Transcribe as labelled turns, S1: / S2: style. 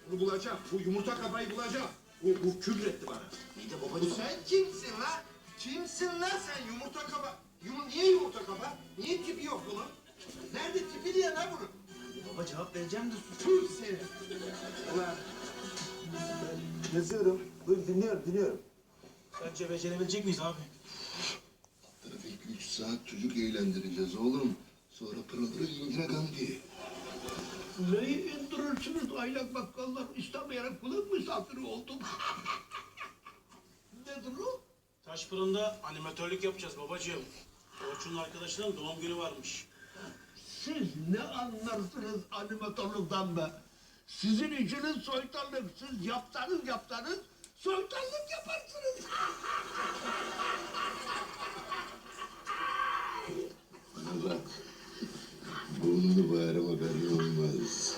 S1: Bunu bulacağım. Bu yumurta kabayı bulacağım. Bu küfretti bana.
S2: İyi de babacığım.
S1: Sen kimsin lan? Kimsin lan sen yumurta kaba? Niye yumurta kaba? Niye tipi yok bunun? Nerede tipi diye lan bunun?
S2: Baba cevap vereceğim de sus.
S1: Tüh seni. Ulan.
S3: Yazıyorum. Buyurun dinliyorum.
S2: Bence becerebilecek miyiz abi?
S4: Tarafı 2-3 saat çocuk eğlendireceğiz oğlum. Sonra pırılırı Indira Gandhi.
S5: Neyi indirirsiniz aylak bakkallar? İstemeyen kulak misafiri oldum. Nedir o?
S6: Taş fırında animatörlük yapacağız babacığım. Orçun'un arkadaşının doğum günü varmış.
S5: Siz ne anlarsınız animatörlükten be? Sizin işiniz soytarlık. Siz yapsanız soytarlık yaparsınız.
S4: Bana bak. Burnunu bağrıma belli olmaz.